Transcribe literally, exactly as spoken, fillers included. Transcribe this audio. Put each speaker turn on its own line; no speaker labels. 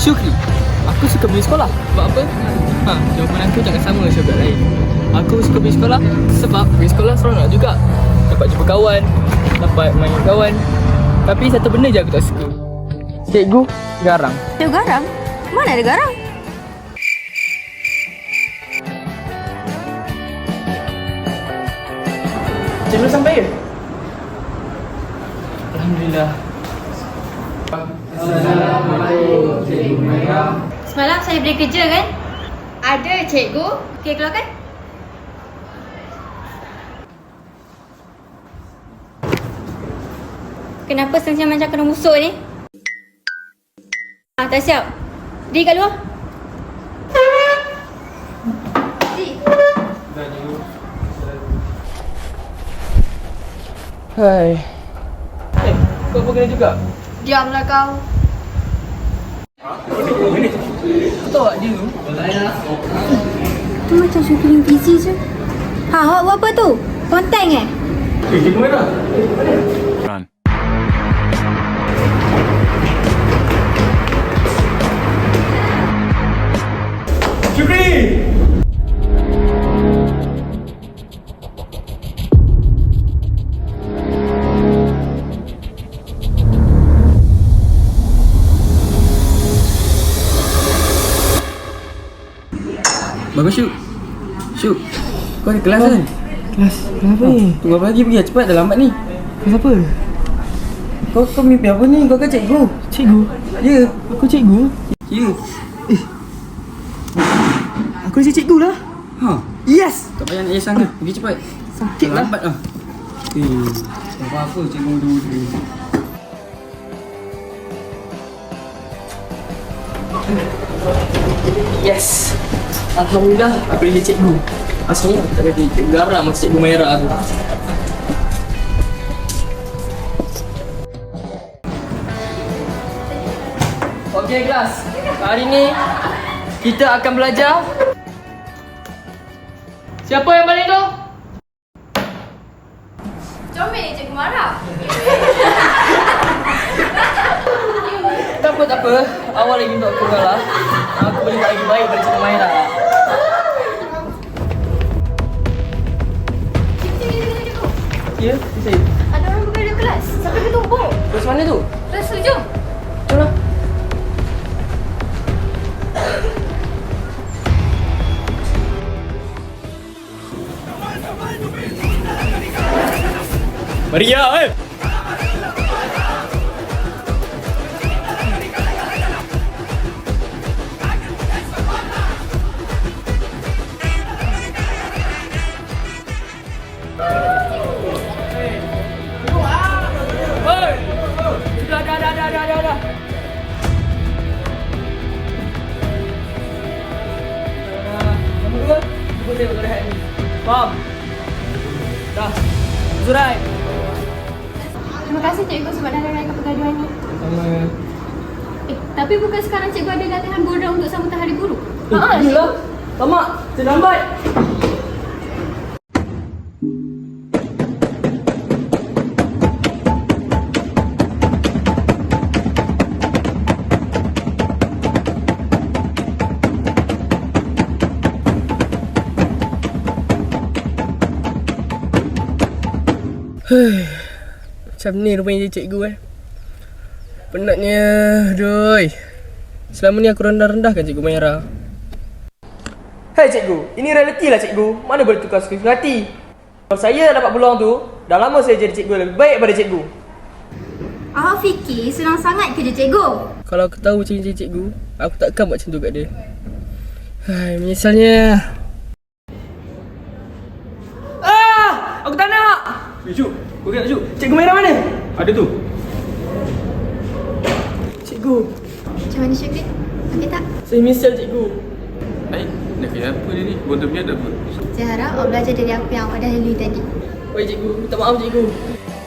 Syukri, aku suka pergi sekolah. Sebab apa? Ha, jawapan aku jangan sama dengan syarikat lain. Aku suka pergi sekolah sebab pergi sekolah seronok juga. Dapat jumpa kawan, dapat main dengan kawan. Tapi satu benda je aku tak suka. Cikgu garang.
Cikgu garang? Mana ada garang?
Cikgu sampai ke? Alhamdulillah.
Assalamualaikum, Cikgu Maya.
Semalam saya beri kerja kan?
Ada, Cikgu.
Okey, keluarkan. Kenapa senyum macam kena musuh ni? Ah, tak siap. Diri kat luar. Diri.
Hai. Eh, kau apa kena juga?
Diamlah kau.
Kau tahu tak dia tu?
Tu macam Syukri busy je. Ha, awak buat apa tu? Konten eh?
Eh, cikgu mana?
Run.
Syukri! Bagus Syuk. Syuk, kau ada kelas kan?
Kelas, kenapa ni?
Tunggu apa lagi pergi lah, cepat dah lambat ni.
Kelas apa?
Kau kau mimpi apa ni? Kau kan cikgu?
Cikgu?
Ya.
Aku cikgu?
Ya.
Aku rasa cikgu lah.
Ha.
Yes!
Tak payah nak yes sana. Pergi cepat.
Sakit lah.
Lambat lah. Eh, tak apa-apa cikgu dulu. Yes. Alhamdulillah aku jadi cikgu. Asalnya aku tak jadi cikgu garang macam cikgu merah tu. Okey kelas. Hari ni kita akan belajar. Siapa yang balik tu?
Comel ni cikgu marah.
Tak apa, tak apa. Awal lagi untuk aku kalah. Aku boleh buat lagi baik daripada cikgu Maira. Ya, saya.
Ada orang berada kelas. Sampai bertumpuk.
Terus mana tu?
Kelas tu, jom.
Jom lah. Maria, eh! Dah, dah, dah, dah, dah, dah, dah. Nombor dua, cuba saya buat rehat ni. Faham? Dah. Zurai.
Terima kasih cikgu sebab dah raikan pergaduhan ni.
Sama.
Eh, tapi bukan sekarang cikgu ada latihan bola untuk sambut Hari Guru?
Eh,
Haa,
iyalah. Tamak, saya lambat. Macam ni rupanya dia cikgu eh. Penatnya, aduh. Selama ni aku rendah-rendahkan cikgu Maira. Hei cikgu, ini realiti lah cikgu. Mana boleh tukar suka hati. Kalau saya dapat peluang tu, dah lama saya jadi cikgu lebih baik daripada cikgu.
awak fikir senang sangat kerja cikgu?
Kalau aku tahu macam ni cikgu, aku takkan buat macam tu kat dia. Hai, menyesalnya. Ah, aku tak nak.
Eh, Cuk. Kau kena Cuk. Cikgu Maira mana? Ada tu.
Cikgu,
Macam mana Syukri? Okey tak?
saya menyesal cikgu.
Baik, nak kaya apa dia ni? Botol dia ada apa?
Saya harap awak belajar dari apa yang awak dah lalui tadi.
Oi cikgu, minta maaf cikgu.